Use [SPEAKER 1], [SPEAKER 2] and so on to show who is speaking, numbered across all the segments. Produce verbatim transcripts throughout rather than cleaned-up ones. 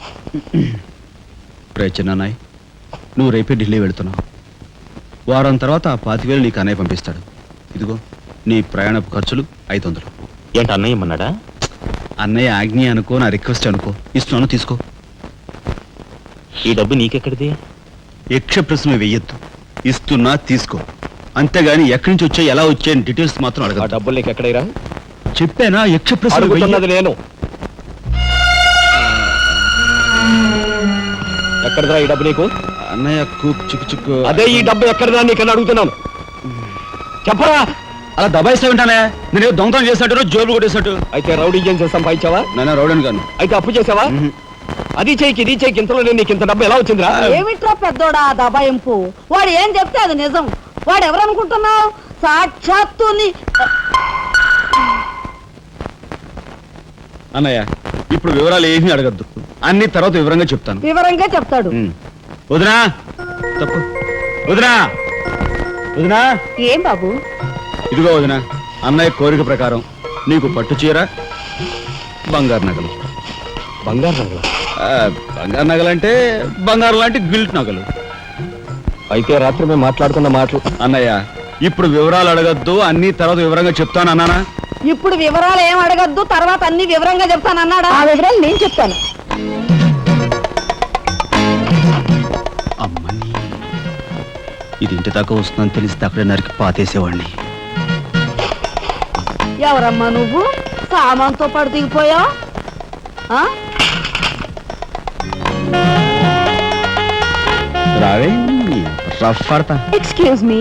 [SPEAKER 1] ప్రయత్నాయ్ నువ్వు రేపే ఢిల్లీ వెళుతున్నావు. వారం తర్వాత ఆ పాతివేలు నీకు అన్నయ్య పంపిస్తాడు. ఇదిగో నీ ప్రయాణపు ఖర్చులు ఐదు వందలు.
[SPEAKER 2] ఏంటి అన్నయ్య ఏమన్నాడా?
[SPEAKER 1] అన్నయ్య ఆజ్ఞ అనుకో, నా రిక్వెస్ట్ అనుకో. ఇస్తున్నాను, తీసుకో.
[SPEAKER 2] ఈ డబ్బు నీకెక్కడిది?
[SPEAKER 1] యక్ష ప్రశ్న వెయ్యొద్దు. ఇస్తున్నా, తీసుకో. అంతేగాని ఎక్కడి నుంచి వచ్చాయి, ఎలా వచ్చాయని డీటెయిల్స్ మాత్రం అడగ.
[SPEAKER 2] డబ్బులు నీకు ఎక్కడైరా?
[SPEAKER 1] చెప్పానా యక్ష ప్రశ్న
[SPEAKER 2] అడుగుతున్నది నేను. ఎక్కడదా ఈ డబ్బు నీకు?
[SPEAKER 1] అన్నయ్య కూక్ చిక్కు చిక్కు.
[SPEAKER 2] అదే ఈ డబ్బు ఎక్కడదా నీకన్నా అడుగుతున్నాను. చెప్పరా?
[SPEAKER 1] అలా దబాయిస్తా ఉంటానే. నేను దొంగతనం చేసినట్టు, జోబులు కొట్టేసినట్టు.
[SPEAKER 2] అయితే రౌడీ ఏం చేసి సంపాదించావా?
[SPEAKER 1] నాన్న రౌడీని కాను.
[SPEAKER 2] అయితే అప్పు చేసావా? అది చేయికి ఇది చేయికి ఇంతలో నేను నీకు ఇంత డబ్బు ఎలా వచ్చిందిరా?
[SPEAKER 3] ఏమిట్రా పెద్దోడా దబాయింపు? వాడు ఏం చెప్తే అది నిజం. వాడు ఎవరనుకుంటున్నావు? సాక్షాత్తు
[SPEAKER 1] అన్నయ్య. ఇప్పుడు వివరాలు ఏమీ అడగద్దు, అన్ని తర్వాత వివరంగా చెప్తాను.
[SPEAKER 3] వివరంగా చెప్తాడు.
[SPEAKER 1] వదినా తప్పు. వదినా వదినా
[SPEAKER 3] ఏం బాబు?
[SPEAKER 1] ఇదిగో వదినా, అన్నయ్య కోరిక ప్రకారం నీకు పట్టు చీర, బంగారు నగలు.
[SPEAKER 2] బంగారు నగలు?
[SPEAKER 1] బంగారు నగలంటే బంగారు లాంటి గిల్ట్ నగలు.
[SPEAKER 2] అయితే రాత్రి మేము మాట్లాడుకున్న మాటలు.
[SPEAKER 1] అన్నయ్య ఇప్పుడు వివరాలు అడగద్దు, అన్ని తర్వాత వివరంగా చెప్తాను అన్నానా?
[SPEAKER 3] ఇప్పుడు వివరాలు ఏం అడగద్దు, తర్వాత అన్ని వివరంగా చెప్తాను అన్నాడా? ఆ వివరాలు నేను చెప్తాను.
[SPEAKER 1] అమ్మని ఇది ఇంటి దాకా వస్తుందని తెలిస్తే అక్కడే నరికి పాతేసేవాడిని.
[SPEAKER 3] ఎవరమ్మా నువ్వు? సామాన్తో పాటు దిగిపోయా?
[SPEAKER 1] రావే రఫ్ పడతా.
[SPEAKER 3] Excuse me.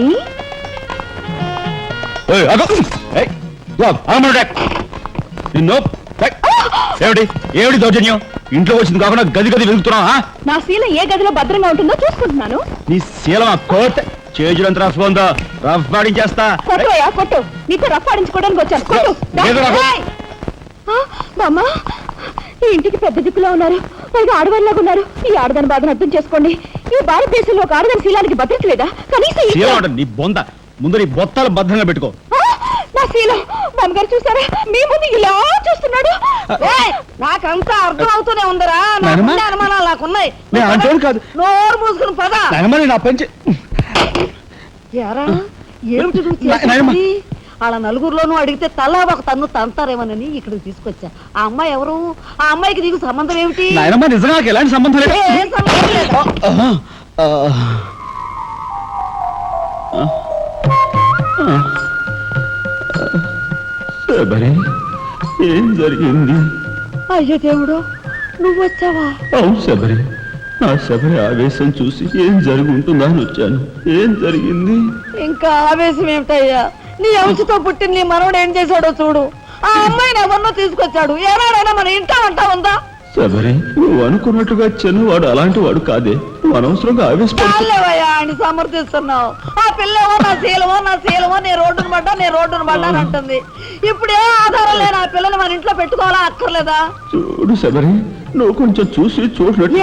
[SPEAKER 1] ఏమిటి ఏమిటి దౌర్జన్యం? ఇంట్లో వచ్చింది కాకుండా గది గది వెతుకుతున్నావా?
[SPEAKER 3] నా శీలం ఏ గదిలో భద్రంగా ఉంటుందో చూసుకుంటున్నాను.
[SPEAKER 1] నీ శీలం ఆ కోట్ చేజులంత రఫ్ ఉందో, రఫ్ పాడించేస్తా.
[SPEAKER 3] కొట్టుయా కొట్టు. నీతో రఫ్ పాడించుకోవడానికి వచ్చాను. కొట్టు. బామ్మా, ఈ ఇంటికి పెద్ద దిక్కులో ఉన్నారు, పైగా ఆడవాళ్ళలాగా ఉన్నారు. ఈ ఆడదాని బాధను అర్థం చేసుకోండి. ఈ భారతదేశంలో ఒక ఆడదాని శీలానికి భద్రత లేదా? కనీసం
[SPEAKER 1] నీ బొంద ముందు నీ బొత్తాలు భద్రంగా పెట్టుకో.
[SPEAKER 3] నా శీలం బామ్మగారు చూసారా? మీ ముందు ఇలా చూస్తున్నాడు. నాకంతా అర్థం అవుతూనే ఉందరా. అనుమానాలు నాకున్నాయి. నోరు మూసుకుని పద.
[SPEAKER 1] నా పెంచి
[SPEAKER 3] ఏమిటి వాళ్ళ నలుగురులోనూ అడిగితే తలా ఒక తన్ను తంతారేమోనని ఇక్కడికి తీసుకొచ్చా. ఆ అమ్మాయి ఎవరు? ఆ అమ్మాయికి నీకు సంబంధం ఏమిటి?
[SPEAKER 1] నిజంగా ఎలాంటి సంబంధం లేదు.
[SPEAKER 3] ఏం సంబంధం లేదా?
[SPEAKER 1] ఏం జరిగింది?
[SPEAKER 3] అయ్యో దేవుడు, నువ్వు వచ్చావా?
[SPEAKER 1] అవును శబరి, నా శబరి ఆవేశం చూసి ఏం జరుగుంటుందా అని వచ్చాను. ఏం జరిగింది?
[SPEAKER 3] ఇంకా ఆవేశం ఏమిటయ్యా? నీ అంశతో పుట్టిన నీ మనవడు ఏం చేశాడో చూడు. ఆ అమ్మాయిని ఎవరినో తీసుకొచ్చాడు. ఏనాడైనా మన ఇంటా అంటా ఉందా?
[SPEAKER 1] శబరి, నువ్వు అనుకున్నట్టుగా చిన్నవాడు అలాంటి వాడు కాదే. నువ్వు అనవసరంగా
[SPEAKER 3] ఆవేశపడలేవయ్యా అని సమర్థిస్తున్నావు. ఆ పిల్లవో నా శీలమో నా శీలమో నీ రోడ్డును పడ్డా నీ రోడ్డును పడ్డా అని అంటుంది. ఇప్పుడు ఏ ఆధారం లేని ఆ పిల్లని మన ఇంట్లో పెట్టుకోవాలా అక్కర్లేదా?
[SPEAKER 1] చూడు శబరి, నువ్వు కొంచెం చూసి చూడలేదు.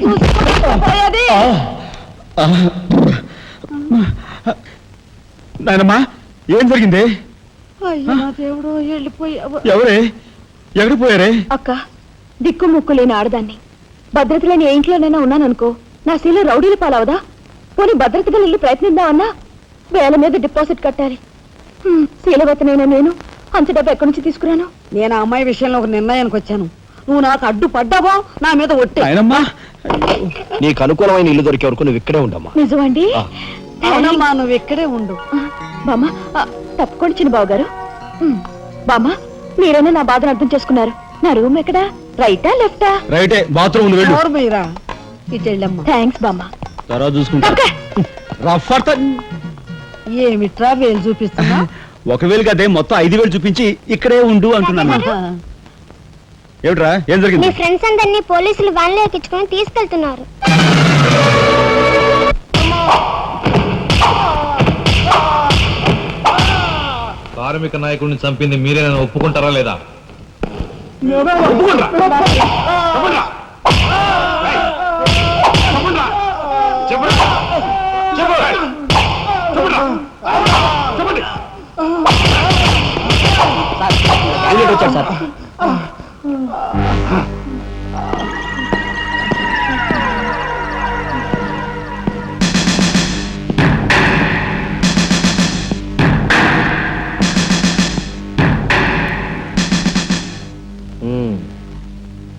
[SPEAKER 1] నాయనమ్మా, ఏం జరిగింది?
[SPEAKER 3] అయ్యో దేవుడు, వెళ్ళిపోయావు.
[SPEAKER 1] ఎవరే ఎక్కడికి పోయారే?
[SPEAKER 3] అక్క, దిక్కు ముక్కు లేని ఆడదాన్ని, భద్రత లేని ఏ ఇంట్లోనైనా ఉన్నాననుకో, నా శీల రౌడీలు పాలవదా? పోనీ భద్రతగా వెళ్ళి ప్రయత్నిద్దామన్నా వేల మీద డిపాజిట్ కట్టాలి. శీలవతనైనా నేను అంత డబ్బు ఎక్కడి నుంచి తీసుకురాను? నేను ఆ అమ్మాయి విషయంలో ఒక నిర్ణయానికి వచ్చాను. నువ్వు నాకు అడ్డు పడ్డావో నా మీద ఒట్టే.
[SPEAKER 2] నీకు అనుకూలమైన ఇల్లు దొరికే వరకు నువ్వు ఇక్కడే ఉండమ్మా.
[SPEAKER 3] నిజమండి? అవునమ్మా, నువ్వు ఇక్కడే ఉండు. బామ్మ, తప్పుకోండి చిన్న బాబు గారు. బామ్మ, మీరైనా నా బాధను అర్థం చేసుకున్నారు. నా రూమ్ ఎక్కడా? రైటా లెఫ్టా?
[SPEAKER 1] రైటే, బాత్రూమ్ వెళ్ళు.
[SPEAKER 3] ఇటు వెళ్ళమ్మా. థ్యాంక్స్ బామ్మ.
[SPEAKER 1] తర్వాత చూసుకుంటా.
[SPEAKER 3] ఏమిట్రా వేలు చూపిస్తున్నా?
[SPEAKER 1] ఒకవేళ కదే మొత్తం ఐదు వేలు చూపించి ఇక్కడే ఉండు అంటున్నాను. ఏమిట్రా, ఏం జరిగింది?
[SPEAKER 4] మీ ఫ్రెండ్స్ అందరినీ పోలీసులు వ్యాన్లో ఎక్కించుకొని తీసుకెళ్తున్నారు.
[SPEAKER 5] కార్మిక నాయకుడిని చంపింది మీరే, నన్ను ఒప్పుకుంటారా లేదా?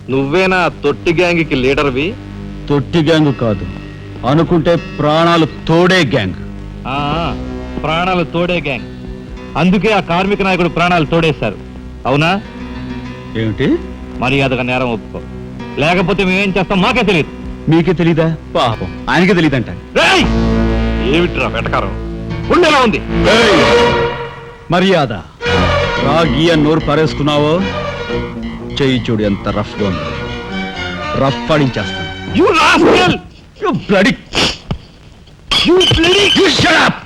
[SPEAKER 5] నువ్వేనా తొట్టి గ్యాంగ్కి లీడర్వి
[SPEAKER 1] తొట్టి గ్యాంగ్ కాదు, అనుకుంటే ప్రాణాలు తోడే గ్యాంగ్.
[SPEAKER 5] ఆ, ప్రాణాలు తోడే గ్యాంగ్. అందుకే ఆ కార్మిక నాయకుడు ప్రాణాలు తోడేశారు. అవునా?
[SPEAKER 1] ఏమిటి?
[SPEAKER 5] మర్యాదగా నేరం ఒప్పుకో, లేకపోతే మేమేం చేస్తాం మాకే తెలియదు.
[SPEAKER 1] మీకే తెలీదా? పాపం ఆయనకే తెలియదంట.
[SPEAKER 5] రేయ్! ఏమిట్రా వెటకారం? ఉండేలా ఉంది.
[SPEAKER 1] మర్యాద రాగి అని నోరు పారేసుకున్నావో చెయ్యి చూడు ఎంత రఫ్ గా ఉంది. రఫ్ పడించేస్తాను.
[SPEAKER 5] You rascal!
[SPEAKER 1] You bloody...
[SPEAKER 5] You bloody...
[SPEAKER 1] You shut up!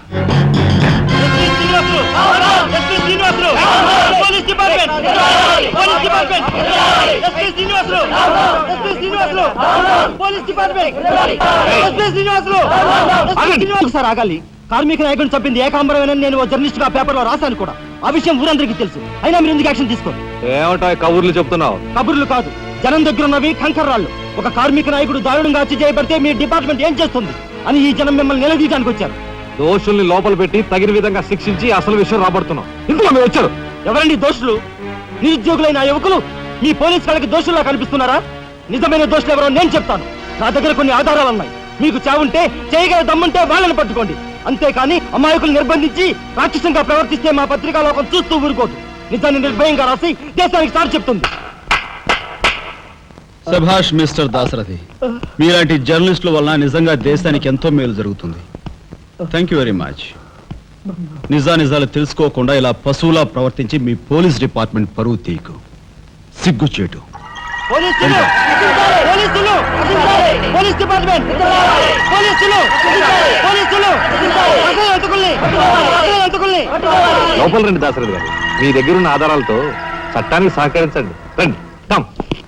[SPEAKER 2] ఒకసారి ఆగాలి. కార్మిక నాయకుడిని చంపింది ఏకాంబరమేనని నేను ఓ జర్నలిస్ట్ గా పేపర్ లో రాశాను కూడా. ఆ విషయం ఊరందరికీ తెలుసు. అయినా మీరు ఎందుకు యాక్షన్ తీసుకోండి?
[SPEAKER 5] ఏమిటా కబుర్లు చెప్తున్నావు?
[SPEAKER 2] కబుర్లు కాదు, జనం దగ్గర ఉన్నవి కంకర్రాళ్ళు. ఒక కార్మిక నాయకుడు దారుణంగా హత్య చేయబడితే మీ డిపార్ట్మెంట్ ఏం చేస్తుంది అని ఈ జనం మిమ్మల్ని నిలదీయడానికి వచ్చారు.
[SPEAKER 5] దోషుల్ని లోపల పెట్టి తగిన విధంగా శిక్షించి అసలు విషయం రాబడుతున్నాం. ఇందులో మీరు వచ్చారు.
[SPEAKER 2] ఎవరండి దోషులు? నిరుద్యోగులైన ఆ యువకులు మీ పోలీస్ వాళ్ళకి దోషుల్లా కనిపిస్తున్నారా? నిజమైన దోషులు ఎవరో నేను చెప్తాను. నా దగ్గర కొన్ని ఆధారాలు ఉన్నాయి. మీకు చావుంటే చేయగల దమ్ముంటే వాళ్ళని పట్టుకోండి. అంతేకాని అమాయకులు నిర్బంధించి రాక్షసంగా ప్రవర్తిస్తే మా పత్రికా లోకం చూస్తూ ఊరుకోదు. నిజాన్ని నిర్భయంగా రాసి దేశానికి సార్ చెప్తుంది.
[SPEAKER 1] సభాష్ మిస్టర్ దాసరథి, మీలాంటి జర్నలిస్టుల వలన నిజంగా దేశానికి ఎంతో మేలు జరుగుతుంది. Thank you very much. నిజా నిజాలు తెలుసుకోకుండా ఇలా పశువులా ప్రవర్తించి మీ పోలీస్ డిపార్ట్మెంట్ పరువు తీయకు. సిగ్గుచేటు.
[SPEAKER 2] పోలీసులు! పోలీసులు! Police department! పోలీసులు! పోలీసులు! అసలు ఎంతకుల్ని! అసలు ఎంతకుల్ని!
[SPEAKER 5] లోపల రండి దాసరథి గారు. మీ దగ్గరున్న ఆధారాలతో చట్టానికి సహకరించండి. రండి. కమ్.